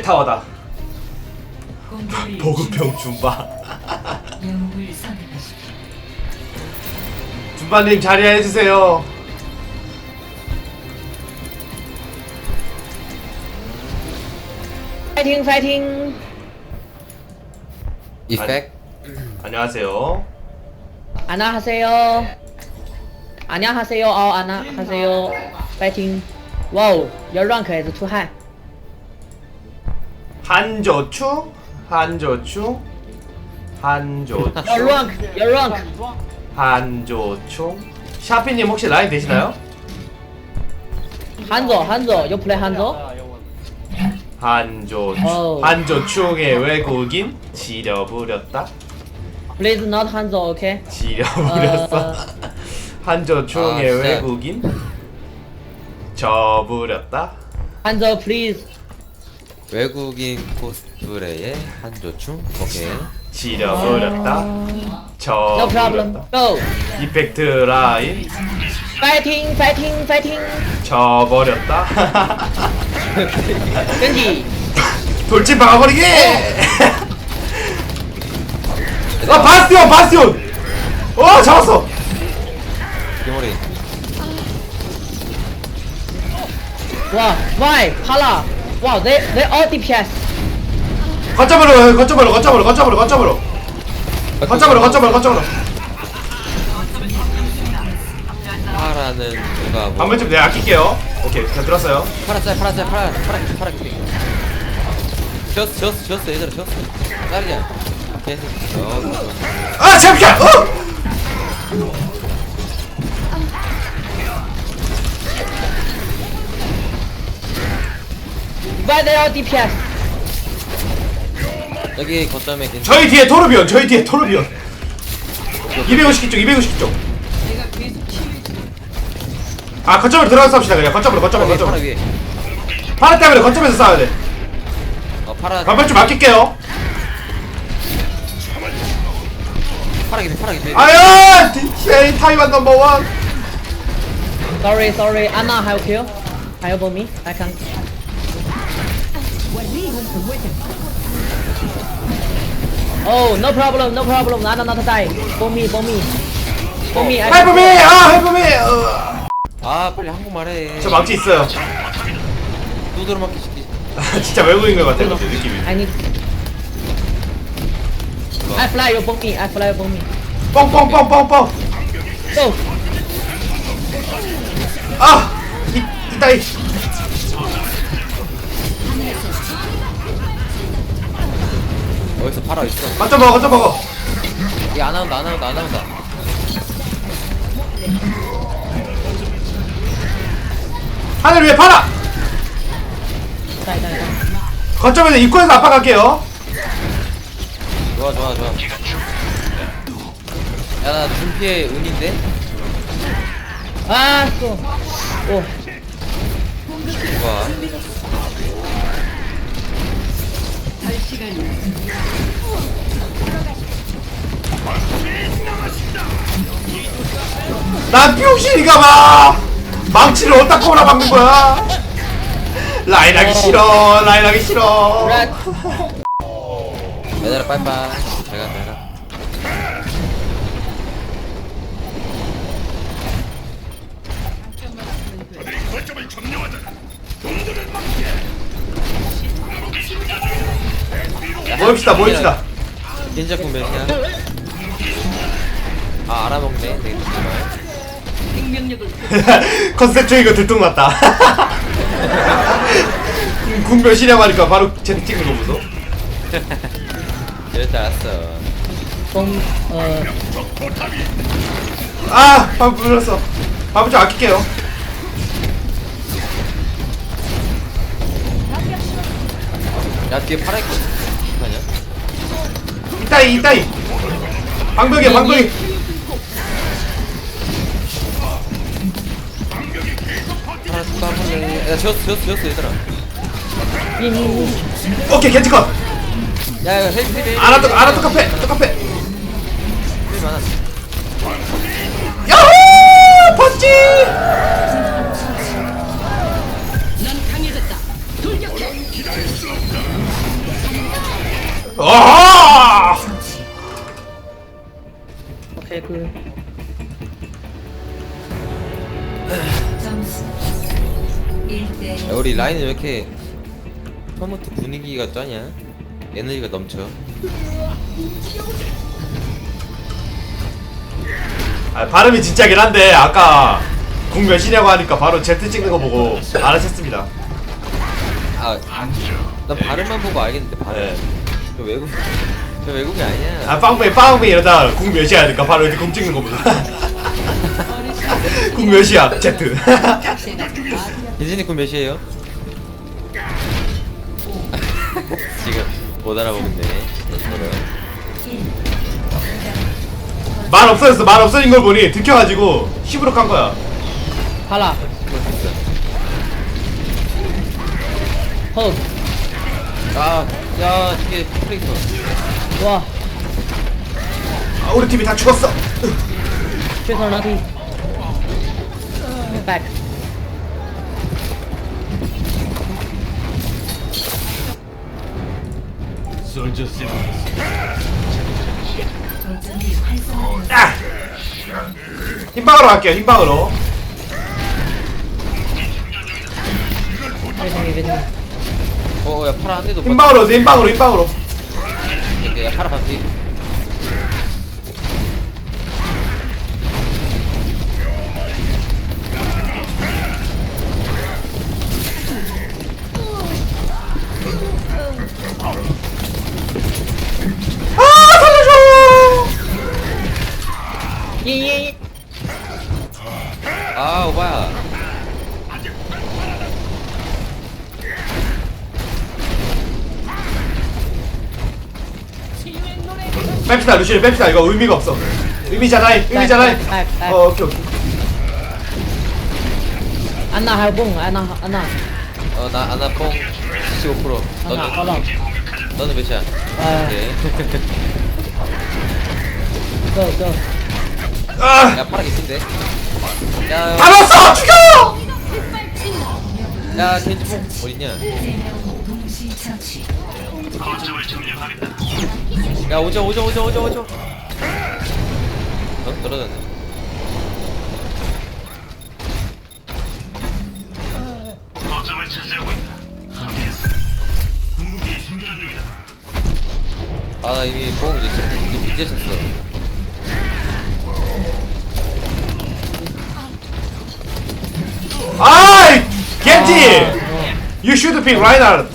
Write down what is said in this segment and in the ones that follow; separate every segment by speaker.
Speaker 1: 타워다. 보급형 줌바. 줌바님 자리 해주세요.
Speaker 2: 파이팅 파이팅.
Speaker 3: 이펙.
Speaker 1: 안녕하세요.
Speaker 2: 안녕하세요. 안녕하세요. 안녕하세요. 파이팅. 와우, 열rank出汗.
Speaker 1: 한조추.
Speaker 2: 열rank.
Speaker 1: 한조추. 샤피님 혹시 라인 되시나요?
Speaker 2: 한조, you play 한조?
Speaker 1: 한조추. 한조추의 외국인 지려부렸다.
Speaker 2: Please not 한조, okay?
Speaker 1: 지려부렸어. 한조추의 외국인 저부렸다.
Speaker 2: 한조, please.
Speaker 3: 외국인 코스프레의 한조충. 오케이.
Speaker 1: 지려부렸다.
Speaker 2: No problem.
Speaker 1: 저부렸다.
Speaker 2: Go.
Speaker 1: 이펙트 라인
Speaker 2: 파이팅.
Speaker 1: 저버렸다.
Speaker 2: 겐지.
Speaker 1: 돌진 박아버리기! 아 바스티온! 잡았어!
Speaker 3: 기모리.
Speaker 2: 와, why? 팔라. Wow, they all DPS.
Speaker 1: 거점으로
Speaker 3: 파라는 누가 뭐.
Speaker 1: 반면쯤 내가 아낄게요. 오케이 잘 들었어요.
Speaker 3: 파라 지었어 얘들아 지었어. 짤이야. 계속.
Speaker 1: 아 잠깐!
Speaker 2: Why they all DPS?
Speaker 3: 여기 거점에 괜찮.
Speaker 1: 저희 뒤에 토르비온 250쪽 아 거점으로 들어가서 쌉시다. 그냥 거점으로
Speaker 3: 파라 위에.
Speaker 1: 파라 때문에 거점에서 싸워야 돼.
Speaker 3: 파라.
Speaker 1: 반면 좀 아낄게요.
Speaker 3: 파라 기피.
Speaker 1: 아야! DTA 타이완 넘버원.
Speaker 2: Sorry. Anna help you. Help me. I can. Oh, no problem. Not die. For me.
Speaker 1: 헬프미! 헬프미!
Speaker 3: 아 빨리 한국말해.
Speaker 1: 저 망치 있어요.
Speaker 3: 두드러 맞기 시키.
Speaker 1: 진짜 외국인 것 같아 느낌이.
Speaker 2: I need. I fly you for me.
Speaker 1: 뻥뻥뻥뻥뻥.
Speaker 2: Go.
Speaker 1: 아! 이따이.
Speaker 3: 어디서 파라 있어?
Speaker 1: 거점 먹어.
Speaker 3: 이게 안 나온다.
Speaker 1: 하늘 위에 파라!
Speaker 2: Die.
Speaker 1: 거점에서 입구에서 압박할게요.
Speaker 3: 좋아. 야, 나 준피의 운인데?
Speaker 2: Ah, so. Oh.
Speaker 3: 좋아.
Speaker 1: 난 병신이가봐! 망치를 어디다 꼬라 박는 거야? 라인 하기 싫어.
Speaker 2: Red.
Speaker 3: 얘들아, 빠이빠이. 잘 가.
Speaker 1: 모입시다.
Speaker 3: 닌자 군몇이야? 아, 알아먹네. 되게
Speaker 1: 컨셉적인 거 들통났다. 군별시라고 하니까 바로 채팅 찍는 거 보소.
Speaker 3: 이럴 줄 알았어.
Speaker 1: 아! 밥 불렀어. 밥을 좀 아낄게요.
Speaker 3: 야, 뒤에 파라 있거든. 아니야?
Speaker 1: 이따이. 방벽이.
Speaker 3: 파라 또 한 번에. 야, 지웠어, 얘들아.
Speaker 1: 오케이, 겐지컷.
Speaker 3: 야, 이거 헬.
Speaker 1: 아나 똑같아.
Speaker 3: 헬 많아.
Speaker 1: 야호! 펀치!
Speaker 4: 점수 1대
Speaker 3: 야, 우리 라인은 왜 이렇게 처음부터 분위기가 짜냐? 에너지가 넘쳐.
Speaker 1: 아, 발음이 진짜긴 한데 아까 궁 몇이냐고 하니까 바로 Z 찍는 거 보고 알아챘습니다.
Speaker 3: 아, 난 발음만 보고 알겠는데 발음.
Speaker 1: 네.
Speaker 3: 저 외국이 아니야.
Speaker 1: 아, 빵빵 이러다 궁 몇이야 하니까 바로 이렇게 궁 찍는 거 보고. 궁 몇이야 Z.
Speaker 3: 예진이 군 몇이에요? 지금 못 알아보겠네.
Speaker 1: 말 없어졌어. 말 없어진 걸 보니 들켜가지고 10으로 깐 거야.
Speaker 2: 팔라 hold
Speaker 3: 아, 야, 이게 플레이터.
Speaker 2: 와
Speaker 1: 아, 우리 팀이 다 죽었어.
Speaker 2: 최선 나티 back
Speaker 4: 거점이 활성화
Speaker 1: 아! 흰방으로 갈게요. 흰방으로.
Speaker 2: 최선 이벤트
Speaker 3: 야, 파라 한 대도 못
Speaker 1: 흰방으로 흰방으로 흰방으로.
Speaker 3: 맞- 야, 파라 반피.
Speaker 1: 아, 살려줘.
Speaker 2: 예예
Speaker 3: 아, 오바야.
Speaker 1: 뺍시다 루시를 뺍시다. 이거 의미가 없어. 의미잖아. 의미잖아. 오케이 오케이.
Speaker 2: 안나 할봉 안나
Speaker 3: 나 뽕 75%.
Speaker 2: 안나
Speaker 3: 너는,
Speaker 2: 헐렁
Speaker 3: 너는 몇이야?
Speaker 2: 아
Speaker 3: 오케이.
Speaker 2: go
Speaker 1: 아,
Speaker 3: 야, 파라 개핀데. 야,
Speaker 1: 다 넣었어. 죽여.
Speaker 3: 야, 겐지 뽕 어딨냐?
Speaker 4: 3명 동시 처치
Speaker 3: 야, 오죠. 떨어졌네. 아, 나 이미 뽕 이제 쳤어.
Speaker 1: 아이, 겐지. You should pick Reinhardt.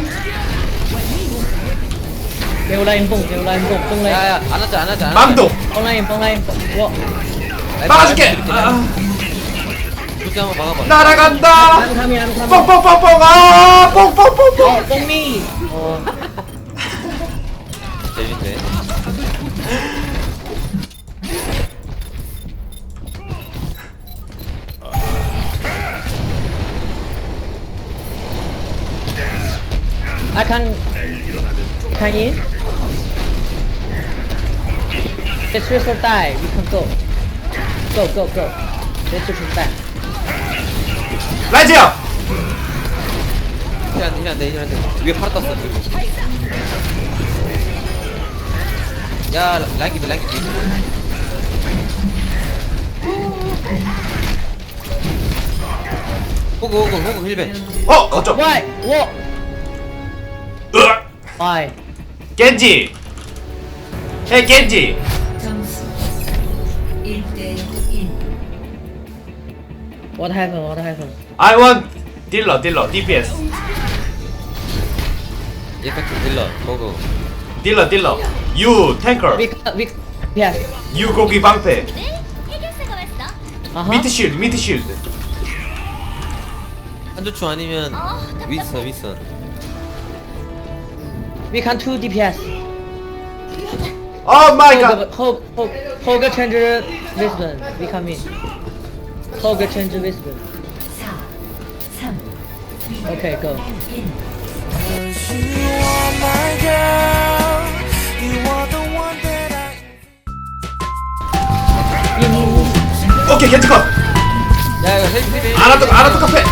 Speaker 2: kêu lên bùng tung lên
Speaker 3: 야, 안 하자.
Speaker 1: 망도.
Speaker 2: bông lên 와
Speaker 1: 막아줄게. 아,
Speaker 3: 그렇게 한번 막아봐.
Speaker 1: 날아간다.
Speaker 2: ăn tham
Speaker 1: 뽕뽕뽕뽕. 아, 뽕뽕뽕뽕.
Speaker 2: bông mi
Speaker 3: 재밌네.
Speaker 2: I can in let's switch for die we can go let's switch for die
Speaker 1: 라이즈야.
Speaker 3: 힐한테. 위에 파라 떴어. 야, 랑기. 호구 힐벤.
Speaker 1: 어쩜?
Speaker 2: why what
Speaker 1: 으악.
Speaker 2: why
Speaker 1: 겐지. 헤이 겐지.
Speaker 4: 점수 1대 1
Speaker 2: what happened
Speaker 1: I want 딜러 DPS.
Speaker 3: 이펙트 딜러. 호구.
Speaker 1: 딜러. You tanker.
Speaker 2: we yes
Speaker 1: You 고기 방패.
Speaker 2: uh-huh
Speaker 1: 미트 쉴드.
Speaker 3: 한조충 아니면 윈선.
Speaker 2: we can 2 DPS
Speaker 1: Oh my god.
Speaker 2: Hoga change Lisbon we come in Hoga change Lisbon
Speaker 4: 4 3
Speaker 2: okay go
Speaker 1: 오케이 겐지 컷.
Speaker 3: 야, 이거 헬
Speaker 1: 아나토 카페.